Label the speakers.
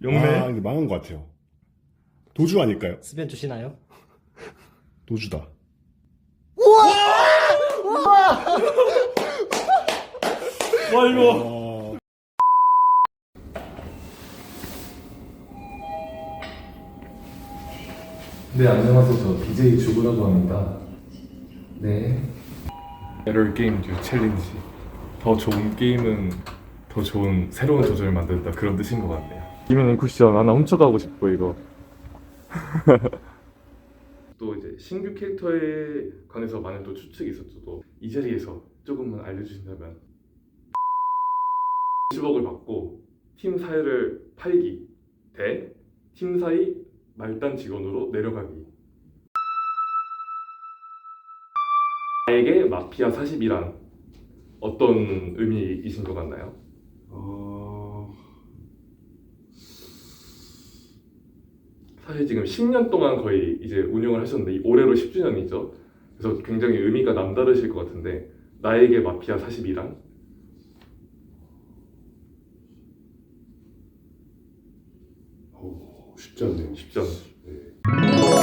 Speaker 1: 영매.
Speaker 2: 이거 망한 것 같아요. 도주 아닐까요?
Speaker 3: 수변 주시나요?
Speaker 2: 도주다.
Speaker 1: 와 이거.
Speaker 4: 네, 안녕하세요. 저 BJ 주구라고 합니다. 네.
Speaker 1: 에럴 게임 듀 챌린지. 더 좋은 게임은 더 좋은 새로운 조절을 만든다, 그런 뜻인 것 같네요. 이면은 쿠션 하나 훔쳐가고 싶고 이거. 또 이제 신규 캐릭터에 관해서 많은 또 추측이 있었어도 이 자리에서 조금만 알려주신다면 10억을 받고 팀 사이를 팔기 대 팀 사이 말단 직원으로 내려가기. 나에게 마피아 40이란 어떤 의미이신 것 같나요? 사실 지금 10년 동안 거의 이제 운영을 하셨는데 올해로 10주년이죠. 그래서 굉장히 의미가 남다르실 것 같은데, 나에게 마피아 40이란?
Speaker 2: 쉽지 않네요.
Speaker 1: 쉽지 않아요.
Speaker 2: 네.